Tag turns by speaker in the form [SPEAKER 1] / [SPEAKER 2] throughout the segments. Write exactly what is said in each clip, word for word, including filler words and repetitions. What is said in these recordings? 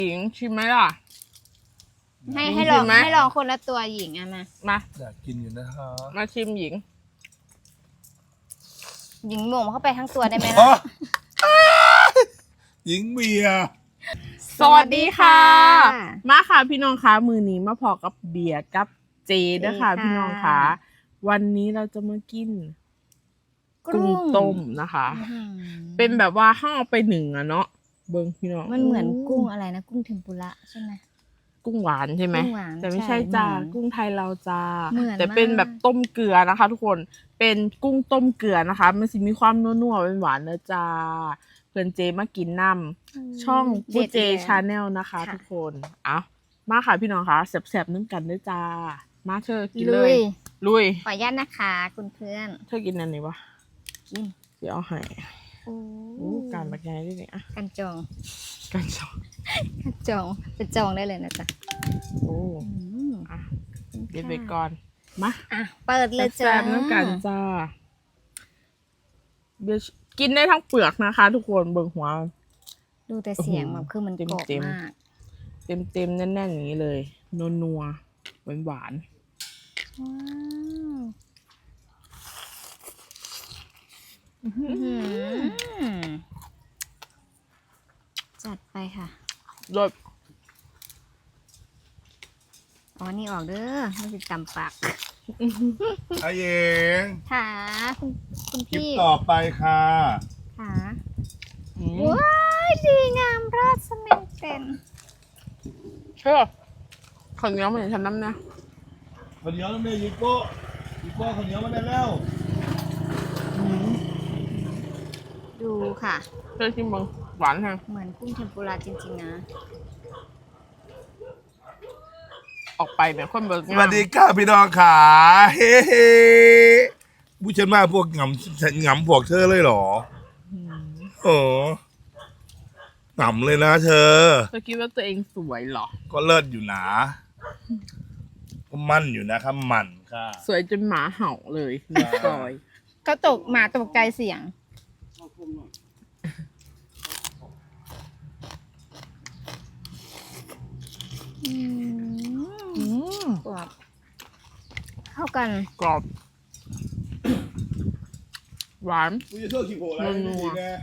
[SPEAKER 1] หญิงชิมไหมล่ะ
[SPEAKER 2] ให้ให้ลองให้ลองคนละตัวหญิงอะมา
[SPEAKER 1] มา
[SPEAKER 3] อยากกินอยู่นะคะ
[SPEAKER 1] มาชิมหญิง
[SPEAKER 2] หญิงหม่งเข้าไปทั้งตัวได้ไหมล่ะ
[SPEAKER 3] หญิงเบียร์
[SPEAKER 1] สวัสดีค่ะมาค่ะพี่น้องคะมือนี้มาพอกับเบียร์กับเจด้วยค่ะพี่น้องคะวันนี้เราจะมากินกุ้งต้มนะคะเป็นแบบว่าห้าไปหนึ่งอะเนาะเบิ้งพี่น้อง
[SPEAKER 2] มันเหมือนกุ้งอะไรนะกุ้งเทมปุระใช่ไหม
[SPEAKER 1] กุ้งหวานใช่ไหมแต่ไม่ใช่จ้ากุ้งไทยเราจ้าแต่
[SPEAKER 2] เ
[SPEAKER 1] เป็นแบบต้มเกลือนะคะทุกคนเป็นกุ้งต้มเกลือนะคะมันสิมีความนัวๆเป็นหวานนะจ้าเพื่อนเจมากินน้ำช่องบูเจชาแนลนะคะทุกคนเอามาค่ะพี่น้องคะแสบๆนึ่งกันด้วยจ้ามาเธอกินเลยลุย
[SPEAKER 2] ขออนุญาตนะคะคุณเพื่อน
[SPEAKER 1] เธอกินอันนี้ปะ
[SPEAKER 2] กิน
[SPEAKER 1] เดี๋ยวเอาให้โอ้การบักใหญ่ด้วยเนี่ย
[SPEAKER 2] กันจอง
[SPEAKER 1] กันจอง
[SPEAKER 2] กันจองเป็นจองได้เลยนะจ๊ะ
[SPEAKER 1] โอ้อ่ะเดี๋ยวไปก่อนมา
[SPEAKER 2] อ่ะเปิดเลยจ้า
[SPEAKER 1] แซ่บน้ำกันจ้าเดี๋ยวกินได้ทั้งเปลือกนะคะทุกคนเบิ่งหัว
[SPEAKER 2] ดูแต่เสียงแบบคือมันกรอบมาก
[SPEAKER 1] เต็มเต็มแน่นๆอย่างนี้เลยนัวนัวหวานหวาน
[SPEAKER 2] จัดไปค่ะ
[SPEAKER 1] รส
[SPEAKER 2] อ๋อนี่ออกเด้อไม่ติดตำปาก
[SPEAKER 3] ไอเอง
[SPEAKER 2] ค่ะคุณคุณพี่
[SPEAKER 3] คลิปต่อไปค่ะ
[SPEAKER 2] ค่ะว้ายดีงามราชเมนเป็น
[SPEAKER 1] เฮ้ยข้าวเหนียวเหมือนฉันน้ำนะ
[SPEAKER 3] ข้าวเหนียวน้ำเนี่ยยิโก้ยิโก้ข้าวเหนียวมาได้แล้ว
[SPEAKER 2] ดูค่ะ
[SPEAKER 1] เธอชิมมึงหวานแฮง
[SPEAKER 2] เหมือนกุ้งเทมปุระจริงๆนะ
[SPEAKER 1] ออกไปเนี่ยคนเบิก
[SPEAKER 3] สวัสดีค่ะพี่น้องขาเฮ้ผู้ฉันมาพวกหงำหงำพวกเธอเลยเหรอโอ้หงำเลยนะเธอ
[SPEAKER 1] เธอคิดว่าตัวเองสวยเหรอ
[SPEAKER 3] ก็เลิศอยู่นะก็มั่นอยู่นะครับมั่นค่ะ
[SPEAKER 1] สวยจนหมาเห่าเลยในซอย
[SPEAKER 2] ก็ตกหมาตกใจเสียงกรอบเข้ากัน
[SPEAKER 1] กรอบหวาน
[SPEAKER 3] มึงจะเชื่อขี้โผล่อะไรนี่ดีแน่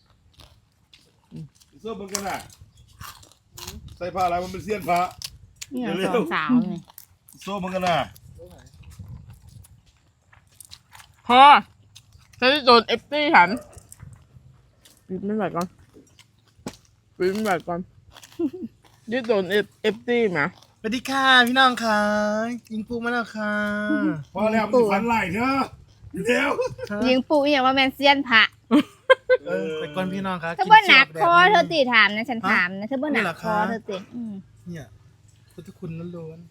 [SPEAKER 3] เสื้อมันกันอ่ะใส่ผ้าอะไรมันเป็นเสี้ยนผ้า
[SPEAKER 2] เนี่ยสองสาวนี่
[SPEAKER 3] โซ่มันกันอ่ะ
[SPEAKER 1] พอฉันจะโดนเอฟตี้ฉันปิดไม่ไหวก่อนปิดไม่ไหวก่อนยึดโดนเอฟเอฟตี้ไหม
[SPEAKER 3] สวัสดีค่ะพี่น้องค่ะยิงปูมาแล้วค่ะพอแล้วมันฝันไหลเถอะเดี๋ยว
[SPEAKER 2] ยิงปูอย่างว่าแมนเซียนผัก
[SPEAKER 3] เออไปก่อนพี่น้องค่ะ
[SPEAKER 2] เธอบ่หนักคอเธอตีถามนะฉันถามนะเธอบ่หนักคอเธอตี
[SPEAKER 3] เนี่ยพุทธคุณล้วน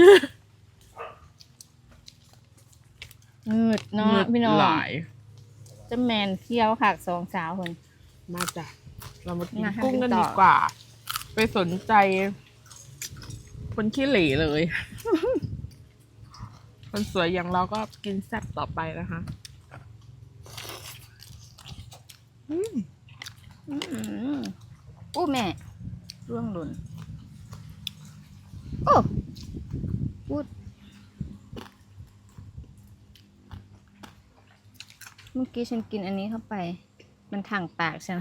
[SPEAKER 2] ๆมืดเนาะพี่น้องจะแมนเที่ยวค่ะสองสาวคน
[SPEAKER 1] มาจ้ะเรามากินกุ้งกันดีกว่าไปสนใจคนขี้เหร่เลยคนสวยอย่างเราก็กินแซ่บต่อไปนะคะ
[SPEAKER 2] อืมอืมอู้แม่ร่วงหล่นโอ้พูดเมื่อกี้ฉันกินอันนี้เข้าไปมันทางปากใช่ไหม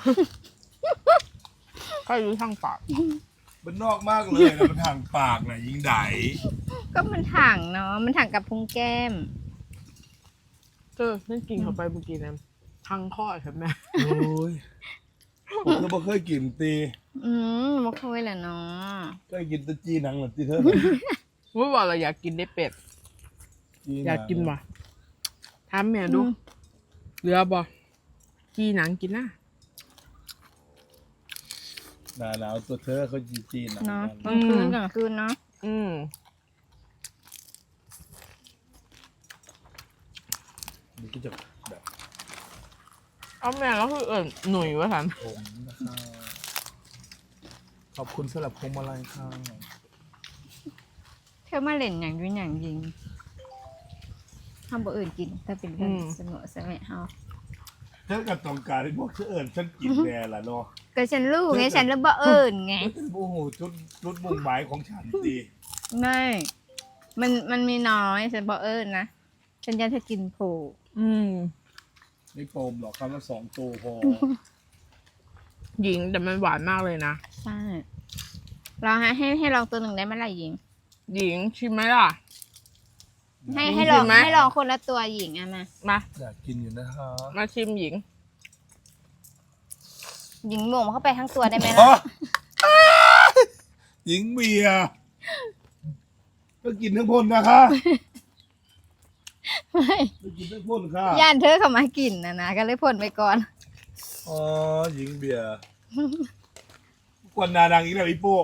[SPEAKER 1] ก็รู้ทางปาก
[SPEAKER 3] มันนอกมากเลยนะมันทางปากนะยิงได
[SPEAKER 2] ก็มันถังเนาะมันถังกับพุงแก้ม
[SPEAKER 1] เออนั่นกินเข้าไปเมื่อกี้นะทางข้อใช่ไหม
[SPEAKER 3] โอ้ยผมก็ไม่เคยกินตี
[SPEAKER 2] อืมไม่เคยแหละเนาะ
[SPEAKER 3] เคยกินตะจีหนังหรือตีเธอ
[SPEAKER 1] ว่าว่าเราอยากกินได้เป็ดอยากกินว่ะถามแม่ดูเหลือบ่จีหนังกินนะ
[SPEAKER 3] หนาวตัวเธอเขาจีจีน
[SPEAKER 2] เนาะกลางคืนกลางคืนเนาะ
[SPEAKER 1] อืม
[SPEAKER 3] มันก็จะแบบ
[SPEAKER 1] เอาแม่แล้วคือเอิญหนุ่ยวะท่าน
[SPEAKER 3] ผมนะคะขอบคุณสำหรับพวงมาลัยค่ะ
[SPEAKER 2] เธอมาเล่นอย่างด้วยอย่างยิงทำบ่อื่นกินแต่เป็นกันเสมอเสมอเฮา
[SPEAKER 3] เธอกับต้องการให้พวกเธอเอิญฉันกินแน่ละเนาะ
[SPEAKER 2] ก็ฉันรู้ไงฉันแล้วบ่เอิญไง
[SPEAKER 3] โอ้โหจุดจุดมุ่งหมายของฉันดี
[SPEAKER 2] ไม่มันมันมีน้อยฉันบ่เอิญนะฉันอยากจะกินโผ
[SPEAKER 1] อืม
[SPEAKER 3] ไม่โปมหรอกคำละสองตัวพอ
[SPEAKER 1] หญิงแต่มันหวานมากเลยนะ
[SPEAKER 2] ใช่เราให้ให้ให้ลองตัวหนึ่งได้ไหมล่ะหญิง
[SPEAKER 1] หญิงชิมไหมล่ะ
[SPEAKER 2] ให้
[SPEAKER 1] หญิง
[SPEAKER 2] ให้ลอง
[SPEAKER 1] ชิมไหม
[SPEAKER 2] ให้ลองคนละตัวหญิงอะมา
[SPEAKER 1] มา
[SPEAKER 3] อยากกินอยู่นะฮะ
[SPEAKER 1] มาชิมหญิง
[SPEAKER 2] หญิงหม่งเข้าไปทั้งตัวได้ไหม
[SPEAKER 3] อ๋อ
[SPEAKER 2] ล่ะ
[SPEAKER 3] หญิงเบียร์ก็กินทั้งพ่นนะคะ
[SPEAKER 2] ไม่
[SPEAKER 3] ก็กินทั้งพ่นค่ะ
[SPEAKER 2] ย่านเธอเข้ามากินนะนะก็เลยพ่นไปก่อน
[SPEAKER 3] อ๋อหญิงเบียร์กวนนาดังอีกแล้วอีโป้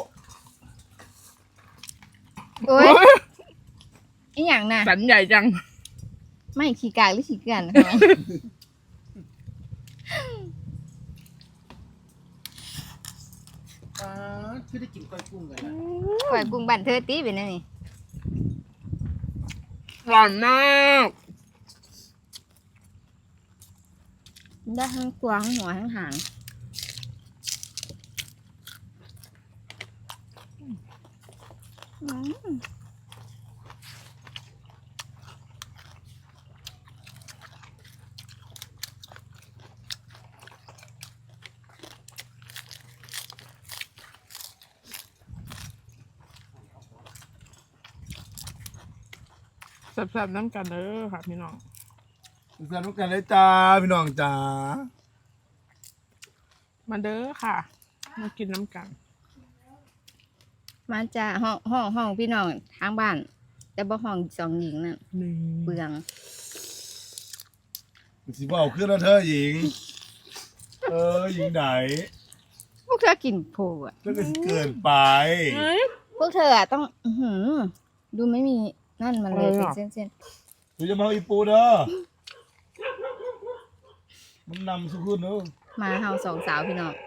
[SPEAKER 2] โอ้ยอีหยังน่ะ
[SPEAKER 1] สันใหญ่จัง
[SPEAKER 2] ไม่ขี้กากหรือขี้เกลือนนะคะ
[SPEAKER 4] อ่าคือได้กินก้อยกุ้งกันนะ
[SPEAKER 2] ปล่อยกุ้งบันเธอตีไปนั่นนี่
[SPEAKER 1] หวานมาก
[SPEAKER 2] ได้ทั้งตัวทั้งหัวทั้งหางอืม
[SPEAKER 1] แซ่บๆน้ำกันเด้อค่ะพี่น้อง
[SPEAKER 3] สนุกกันเลยจ้าพี่น้องจ้า
[SPEAKER 1] มาเด้อค่ะ มากินน้ำกัน
[SPEAKER 2] มาจ้าห้องห้องห้องพี่น้องทางบ้าน แต่บ่ห้องสองหญิงนั่น
[SPEAKER 1] นี่
[SPEAKER 2] เปลือง
[SPEAKER 3] สิบ่เอาขึ้นแล้วเธอหญิง เออหญิงไหน
[SPEAKER 2] พวกเธอกินโผล่อะ
[SPEAKER 3] ก็จะเกินไป
[SPEAKER 1] เฮ้ย
[SPEAKER 2] พวกเธออะต้องอื้อหือดูไม่มีนั่นมันเลย
[SPEAKER 1] เออ
[SPEAKER 2] เป็นเส้น
[SPEAKER 3] กูจะมาเอาอีปูเด้อมันนำสุขุนเด้อ
[SPEAKER 2] ๆมาเฮาสองสาวพี่น้อง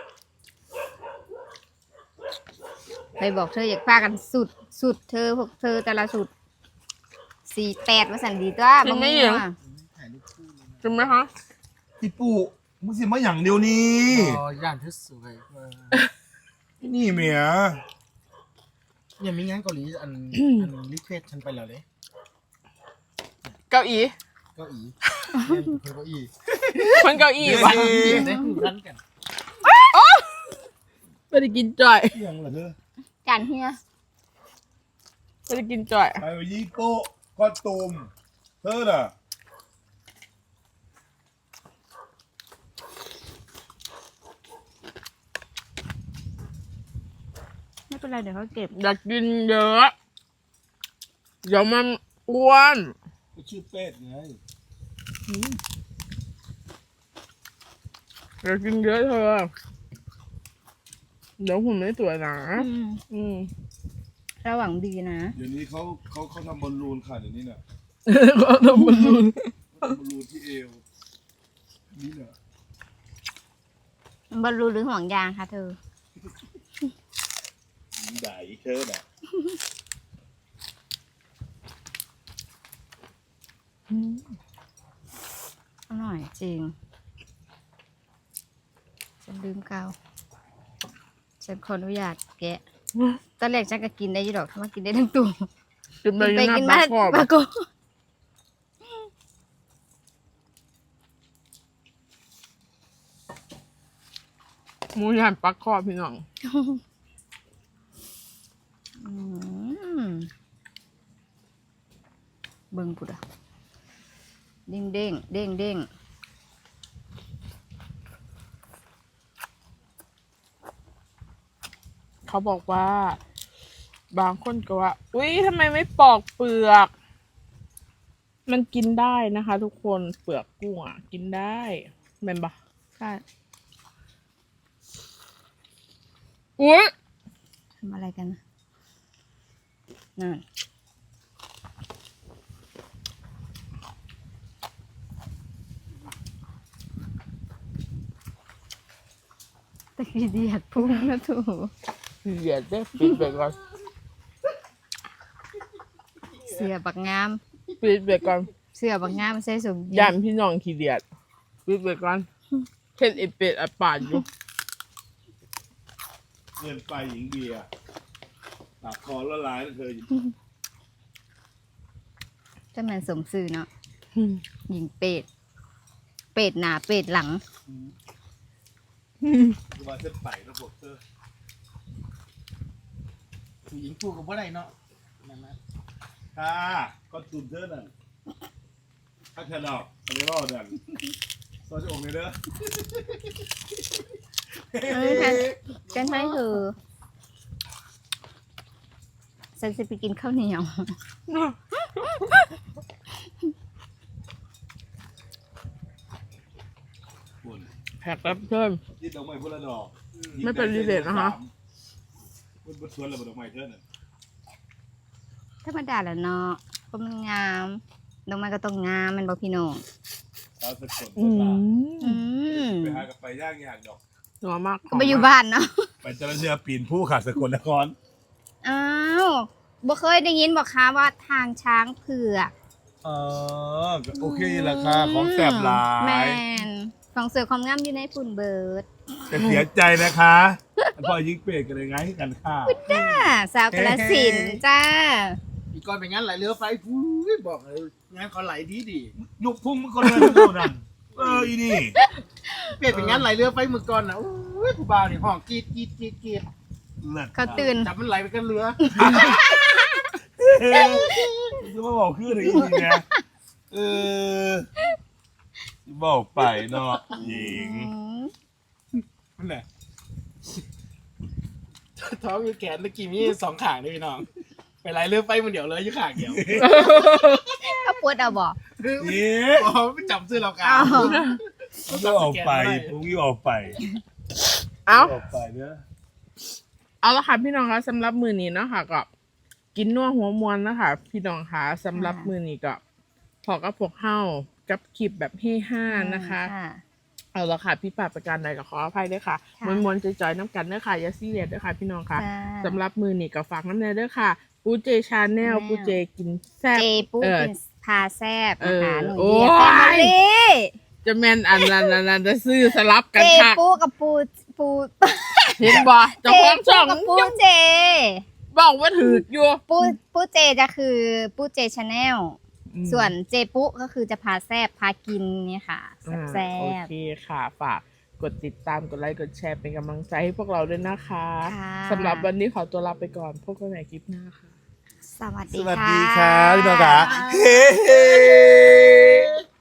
[SPEAKER 2] ไปบอกเธออยากพากันสุดสุดเธอพวกเธอแต่ละสุดสี่แปดมาสั่นดีตัว
[SPEAKER 1] จริงไหมหญิง
[SPEAKER 4] ถ่ายรูปคู่เลยนะ
[SPEAKER 1] จริงไหมคะ
[SPEAKER 3] อีปูมึงสิมาอย่างเดียวนี้
[SPEAKER 4] อ๋อย่านเธอสวยมาก
[SPEAKER 3] นี่เมีย
[SPEAKER 4] เนี่ยมีงานเกาหลีอัน อันรีเควสฉันไปแล้วเลย
[SPEAKER 1] เก้าอี้
[SPEAKER 4] เก้าอี้เนี่ยเป็นคนเก้าอี้
[SPEAKER 1] คนเก้าอี้วะ
[SPEAKER 4] ได้คู่กันกัน
[SPEAKER 1] ไม่ได้กินจ่อย
[SPEAKER 3] เรื่องเหรอเธอ
[SPEAKER 2] จานเฮีย
[SPEAKER 1] ไม่ได้กินจ่อย
[SPEAKER 3] ไปยี่โป้ก็ตูมเธอน่ะ
[SPEAKER 2] ไม่เป็นไรเดี๋ยวเขาเก็บ
[SPEAKER 1] อยากกินเยอะ เดี๋ยวมันอ้วน
[SPEAKER 3] ก็ชื่อเป็ดไง
[SPEAKER 1] อยากกินเยอะเธอ เดี๋ยวหุ่นไม่สวยนะ
[SPEAKER 2] อืม
[SPEAKER 1] อืม
[SPEAKER 2] ระหว่างดีนะ
[SPEAKER 3] เดี๋ยวนี้เขาเขาเขาทำบอลลูนค่ะเดี๋ยวนี้น่ะ
[SPEAKER 1] ก็ทำมันรุน
[SPEAKER 3] ทำบอลลูนที่เอวนี่น่ะ
[SPEAKER 2] บอลลูนหรือห่วงยางคะเธอ
[SPEAKER 3] หญิงไหนเธอน่ะ
[SPEAKER 2] อร่อยจริง ฉันลืมกาวฉันขออนุญาตแกะ ตอนแรกฉันก็กินได้อยี่ดอกถ้ามากินได้ทั้งตัว
[SPEAKER 1] กินไป
[SPEAKER 2] กินไป
[SPEAKER 1] กิน
[SPEAKER 2] กิน
[SPEAKER 1] มา
[SPEAKER 2] มา
[SPEAKER 1] ปลาครอบ
[SPEAKER 2] ปลาโก
[SPEAKER 1] หมูย่างปลาครอบพี่น้อง
[SPEAKER 2] อืมเบิ่งปุดอะเด้งเด้งเด้งเด้ง
[SPEAKER 1] เขาบอกว่า บางคนก็ว่า อุ๊ยทำไมไม่ปอกเปลือก มันกินได้นะคะ ทุกคนเปลือกกุ้งอ่ะ กินได้แม่นปะ
[SPEAKER 2] ใช่
[SPEAKER 1] อุ๊ย
[SPEAKER 2] ทำอะไรกันนะนั่นตะกี้เดียดพุ่งนะถู
[SPEAKER 1] เหยียดได้ปิดไปก่อน
[SPEAKER 2] เสือบักงาม
[SPEAKER 1] ปิดไปก่อน
[SPEAKER 2] เสือบักงามใส่สมยี
[SPEAKER 1] ย่านพี่น้องขี้เดียดปิดไปก่อนเห็นไอเป็ดไอป่านอยู่
[SPEAKER 3] เกินไปหญิงเบียร์ปากคอละลายแล้วเธอ
[SPEAKER 2] จะแมันสมซื่อเนาะหญิงเป็ด เป็ดหน้าเป็ดหลัง
[SPEAKER 3] คือว่าเส้นไปนะพวกเธอ
[SPEAKER 4] ผู้หญิงพูดกับว่าไรเนาะนั่นนะ
[SPEAKER 3] ค่ะก็ตุนเธอนั่นถ้าเธอหลอกอันนี้รอดนั่นซอยจะอกเลยเด้อ
[SPEAKER 2] เออค่ะ ฉันให้เธอฉันจะไปกินข้าวเหนียว
[SPEAKER 3] คุณ
[SPEAKER 1] แขกรับเชิญ
[SPEAKER 3] ที่ดอกไม้พุ่ละดอก
[SPEAKER 1] ไม่เป็นรีเลทนะคะ
[SPEAKER 3] มันบนสวนแล้วดอกไม้เธอนั่น
[SPEAKER 2] ธรรมดาแหละเนาะก็มันงามดอกไม้ก็ต้องงามแมันบอกพี่น้อง
[SPEAKER 3] สาวสกล
[SPEAKER 1] อื
[SPEAKER 3] ตลาด
[SPEAKER 1] ม
[SPEAKER 2] อืม
[SPEAKER 3] ไปหากับไปย่างยากดอก
[SPEAKER 1] นัวมาก
[SPEAKER 2] ก็ไปอยู่บ้านเนาะ
[SPEAKER 3] ไปเจริญเรือปีนผู้ขาดสกลนคร
[SPEAKER 2] อ้าวบ่เคยได้ยินบอกคะว่าทางช้างเผือก
[SPEAKER 3] เออโอเคราคาของแสบหลา
[SPEAKER 2] แม
[SPEAKER 3] ย
[SPEAKER 2] นของเสือความงามอยู่ในฝุ่นเบิร์ด
[SPEAKER 3] แต่เสียใจนะคะพอยิงเปรกกันเลยไงกันค่ะ
[SPEAKER 2] จ้าสาวกระสินธุ์จ้า
[SPEAKER 4] อีกก่อนเป็นงานไหลเรือไฟฟูยบอกเลยงานเขาไหลดีดี
[SPEAKER 3] ยุบพุ่งมันคนเลยโน่นนั่นเอออีนี่
[SPEAKER 4] เปลี่ยนเป็นงานไหลเรือไฟมือก่อนนะโอ้ยผู้บ่าวนี่ห้องกรีดกรีดกรีดกรีด
[SPEAKER 3] เลิศ
[SPEAKER 2] เขาตื่น
[SPEAKER 4] จับมันไหลไปกันเรือ
[SPEAKER 3] จะมาบอกคืออะไรอีกนะเออบอกไปเนาะหญิง
[SPEAKER 4] นั่นแหละท้องอยู่แขนตะกี้มีสองขางด้วยพี่น้องไปไหลเรือไฟมันเดียวเลยอยู่ขางเดียว
[SPEAKER 2] เขาปวดเอาบอก
[SPEAKER 3] นี่
[SPEAKER 4] อ๋อไม่จับซื้อเรากา
[SPEAKER 2] อ้าว
[SPEAKER 3] ผมก็ออกไปผมก็ออกไป
[SPEAKER 1] เอ้า
[SPEAKER 3] ออกไปเนอะ
[SPEAKER 1] เอาละค่ะพี่น้องคะสำหรับมือนี้เนาะค่ะก็กินนัวหัวมวนนะคะพี่น้องคะสำหรับมือนี้ก็พอกับพวกเฮากับคลิปแบบเฮฮานะคะ เอาละค่ะพี่ปราบประการใดก็ขออภัยด้วยค่ะ
[SPEAKER 2] ค่ะ
[SPEAKER 1] มวนมวนๆจอยๆน้ำกันด้วยค่ะอย่าซีเรียสด้วยค่ะพี่น้องค่ะ
[SPEAKER 2] จ้า
[SPEAKER 1] สำหรับมือนี้ก็ฝากน้ำเนยด้วยค่ะปูเจชาแนล
[SPEAKER 2] แนว
[SPEAKER 1] ปูเจกินแซ่บ
[SPEAKER 2] เจปู
[SPEAKER 1] เออ
[SPEAKER 2] กินพาแซบนะคะ
[SPEAKER 1] เออ
[SPEAKER 2] หนู
[SPEAKER 1] โอ้
[SPEAKER 2] เดี
[SPEAKER 1] ย
[SPEAKER 2] ยแฟมิลี่
[SPEAKER 1] จะแม่นอันนั้นอันนั้นจะซื้อสลับกัน
[SPEAKER 2] เจ
[SPEAKER 1] ค่ะ
[SPEAKER 2] ปูกับปูปู
[SPEAKER 1] เห็นบ่เจ้า
[SPEAKER 2] เจ
[SPEAKER 1] ของ
[SPEAKER 2] ปู
[SPEAKER 1] ช่อง
[SPEAKER 2] กับปูเจ
[SPEAKER 1] บอกว่าถืออยู่
[SPEAKER 2] ปูปูเจจะคือปูเจชาแนล
[SPEAKER 1] อืม
[SPEAKER 2] ส่วนเจปุก็คือจะพาแซบพากินเนี่ยค่ะ
[SPEAKER 1] อ่า
[SPEAKER 2] แซ
[SPEAKER 1] โอบ เคค่ะฝากกดติดตามกดไลค์กดแชร์เป็นกำลังใจให้พวกเราด้วยนะคะ
[SPEAKER 2] ค่ะ
[SPEAKER 1] สำหรับวันนี้ขอตัวลาไปก่อนพบกันใหม่คลิปหน้าค่ะ
[SPEAKER 2] สวัส
[SPEAKER 3] ส
[SPEAKER 2] ดี
[SPEAKER 3] วัส
[SPEAKER 2] ค่ะ
[SPEAKER 3] ดีค่ะพี่น้องค่ะเฮ้